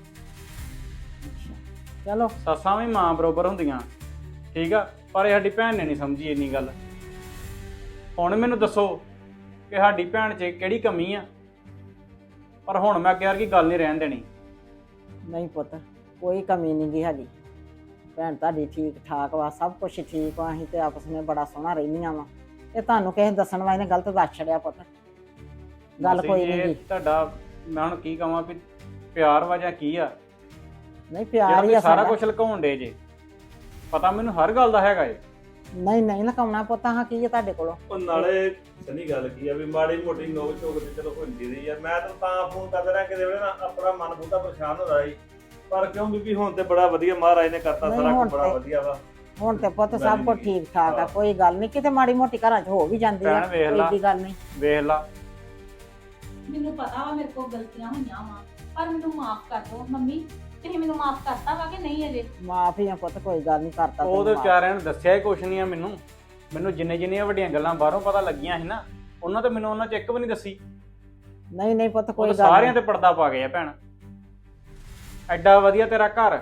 S1: ਚਲੋ
S6: ਸੱਸਾਂ ਵੀ ਮਾਂ ਬਰੋਬਰ ਹੁੰਦੀਆਂ, ਠੀਕ ਆ? ਪਰ ਇਹ ਸਾਡੀ ਭੈਣ ਨੇ ਨਹੀਂ ਸਮਝੀ ਇੰਨੀ ਗੱਲ। ਹੁਣ ਮੈਨੂੰ ਦੱਸੋ ਕਿ ਸਾਡੀ ਭੈਣ 'ਚ ਕਿਹੜੀ ਕਮੀ ਆ? ਪਰ ਹੁਣ ਮੈਂ ਅੱਗੇ ਵਰਗੀ ਗੱਲ ਨਹੀਂ ਰਹਿਣ ਦੇਣੀ।
S1: ਨਹੀਂ ਪੁੱਤ, ਕੋਈ ਕਮੀ ਨਹੀਂ ਗੀ ਸਾਡੀ। ਭੈਣ ਤੁਹਾਡੀ ਠੀਕ ਠਾਕ ਵਾ, ਸਭ ਕੁਝ ਠੀਕ ਵਾ। ਅਸੀਂ ਤੇ ਆਪਸ ਵਿੱਚ ਬੜਾ ਸੋਹਣਾ ਰਹਿੰਦੀਆਂ ਵਾ। ਇਹ ਤੁਹਾਨੂੰ ਕਿਸੇ ਦੱਸਣ ਵਾਲੇ ਨੇ ਗਲਤ ਦੱਸ ਛੜਿਆ ਪੁੱਤ, ਗੱਲ
S6: ਮਾਸੀ
S1: ਕੋਈ
S6: ਜੀ,
S1: ਨਹੀਂ ਗੀ।
S6: ਤੁਹਾਡਾ ਮੈਂ ਹੁਣ ਕੀ ਕਹਾਂ ਵੀ ਪਿਆਰ ਵਾ ਜਾਂ ਕੀ ਆ,
S1: ਨਹੀਂ
S6: ਜਿਹੜਾ
S1: ਪਿਆਰ ਹੀ
S6: ਤੁਸੀਂ
S1: ਆ
S6: ਸਾਰਾ
S1: ਸਾਡਾ।
S6: ਕੁਝ ਲੁਕਾਉਣ ਡੇ ਜੇ? ਪਤਾ ਮੈਨੂੰ ਹਰ ਗੱਲ ਦਾ ਹੈਗਾ ਏ।
S1: ਨਹੀਂ ਨਹੀਂ ਲਕਾਉਣਾ ਪੁੱਤ, ਹਾਂ ਕੀ ਹੈ ਤੁਹਾਡੇ ਕੋਲੋਂ?
S3: ਉਹ ਨਾਲੇ ਸਨੀ ਗੱਲ ਕੀ ਆ ਵੀ ਮਾੜੀ ਮੋਟੀ ਨੋਕ ਝੋਕ ਤੇ ਚਲੋ ਹੁੰਦੀ ਰਹੀ ਆ। ਮੈਂ ਤਾਂ ਫੋਨ ਕਰਦਾ ਰਿਹਾ ਕਿਤੇ ਵੇਲੇ ਨਾ, ਆਪਣਾ ਮਨ ਬਹੁਤਾ ਪਰੇਸ਼ਾਨ ਹੋ ਰਿਹਾ ਸੀ। ਪਰ ਕਿਉਂ ਬੀਬੀ ਹੁਣ ਤੇ ਬੜਾ ਵਧੀਆ ਮਹਾਰਾਜ ਨੇ ਕਰਤਾ,
S1: ਨਹੀਂ,
S3: ਸਾਰਾ
S1: ਹੁਣ
S3: ਕੁਝ ਬੜਾ
S1: ਤੇ-
S3: ਵਧੀਆ ਵਾ।
S1: ਹੁਣ ਤੇ ਪੁੱਤ ਸਭ ਕੁਝ ਠੀਕ ਠਾਕ ਆ, ਕੋਈ ਗੱਲ ਨਹੀਂ, ਕਿਤੇ ਮਾੜੀ ਮੋਟੀ ਘਰਾਂ 'ਚ ਹੋ ਵੀ ਜਾਂਦੀ ਆ,
S6: ਭੈਣ ਵੇਖ ਲਾ।
S1: ਕੋਈ ਗੱਲ ਨਹੀਂ।
S6: ਵੇਖ ਲਾ
S2: ਮੈਨੂੰ ਪਤਾ ਵਾ ਮੇਰੇ ਕੋਲ ਗਲਤੀਆਂ ਹੋਈਆਂ ਵਾ, ਪਰ ਮੈਨੂੰ ਮਾਫ ਕਰ ਦਿਓ ਮੰਮੀ। ਤੁਸੀਂ ਮੈਨੂੰ ਮਾਫ ਕਰਤਾ ਵਾ ਕਿ ਨਹੀਂ ਅਜੇ?
S1: ਮਾਫੀ ਆ ਪੁੱਤ, ਕੋਈ ਗੱਲ ਨਹੀਂ ਕਰਤਾ
S6: ਉਹ ਤੇ ਵਿਚਾਰਿਆਂ ਨੇ ਦੱਸਿਆ ਹੀ ਕੁਛ ਨਹੀਂ ਆ ਮੈਨੂੰ ਜਿੰਨੀਆਂ ਵੱਡੀਆਂ ਗੱਲਾਂ ਬਾਹਰੋਂ ਪਤਾ ਲੱਗੀਆਂ ਸੀ ਨਾ, ਉਹਨਾਂ ਤੇ ਮੈਨੂੰ ਉਹਨਾਂ ਚ ਇੱਕ ਵੀ ਨਹੀਂ ਦੱਸੀ।
S1: ਨਹੀਂ ਨਹੀਂ ਪੁੱਤ,
S6: ਉਹ
S1: ਕੋਈ
S6: ਤਾਂ
S1: ਗੱਲ
S6: ਸਾਰਿਆਂ
S1: ਨਹੀਂ।
S6: ਤੇ ਪਰਦਾ ਪਾ ਗਏ ਆ ਭੈਣ। ਐਡਾ ਵਧੀਆ ਤੇਰਾ ਘਰ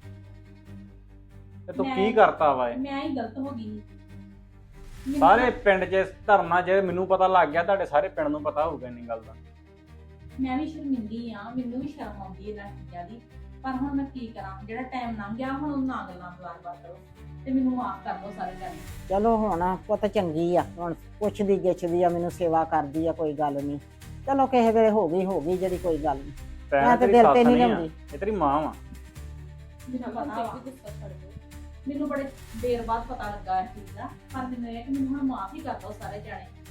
S6: ਤੇ ਤੂੰ ਕੀ ਕਰਤਾ ਵਾ ਇਹ?
S2: ਮੈਂ ਹੀ ਗਲਤ ਹੋ ਗਈ। ਮੈਨੂੰ-
S6: ਸਾਰੇ ਪਿੰਡ 'ਚ ਧਰਨਾ ਜੇ ਮੈਨੂੰ ਪਤਾ ਲੱਗ ਗਿਆ, ਤੁਹਾਡੇ ਸਾਰੇ ਪਿੰਡ ਨੂੰ ਪਤਾ ਹੋਊਗਾ ਇੰਨੀ ਗੱਲ ਦਾ।
S2: ਮੈਂ ਵੀ ਸ਼ਰਮਿੰਦੀ ਆ, ਮੈਨੂੰ ਵੀ ਸ਼ਰਮ ਆਉਂਦੀ ਇਹਨਾਂ ਚੀਜ਼ਾਂ ਦੀ, ਪਰ ਹੁਣ ਮੈਂ ਕੀ ਕਰਾਂ? ਜਿਹੜਾ ਟਾਈਮ ਲੰਘ ਗਿਆ ਹੁਣ ਉਹ ਨਾ ਗੱਲਾਂ ਬਾਰ-ਬਾਰ ਕਰੋ, ਤੇ ਮੈਨੂੰ ਮਾਫ ਕਰ ਦਿਓ ਸਾਰੇ ਜਾਣੇ।
S1: ਚਲੋ ਹੁਣ ਪੁੱਤ ਚੰਗੀ ਆ, ਹੁਣ ਪੁੱਛਦੀ ਗਿੱਛਦੀ ਆ, ਮੈਨੂੰ ਸੇਵਾ ਕਰਦੀ ਆ, ਕੋਈ ਗੱਲ ਨਹੀਂ। ਚਲੋ ਕਿਸੇ ਵੇਲੇ ਹੋ ਗਈ ਜਿਹੜੀ, ਕੋਈ ਗੱਲ ਨਹੀਂ। ਮੈਂ ਤੇ
S6: ਤੇਰੀ
S1: ਦਿਲ ਤੇ
S6: ਸੱਸ
S1: ਨਹੀਂ
S6: ਨਹੀਂ ਆ,
S1: ਲਾਉਂਦੀ।
S6: ਇਹ ਤੇਰੀ ਮਾਂ ਵਾ।
S2: ਮੈਨੂੰ ਪਤਾ ਵਾ, ਮੈਨੂੰ ਬੜੇ ਦੇਰ ਬਾਅਦ ਪਤਾ ਲੱਗਾ ਇਸ ਚੀਜ਼ ਦਾ, ਪਰ ਮੈਨੂੰ ਇਹ ਕਿ ਮੈਨੂੰ ਹੁਣ ਮਾਫ ਹੀ ਕਰ ਦਿਓ ਸਾਰੇ ਜਾਣੇ।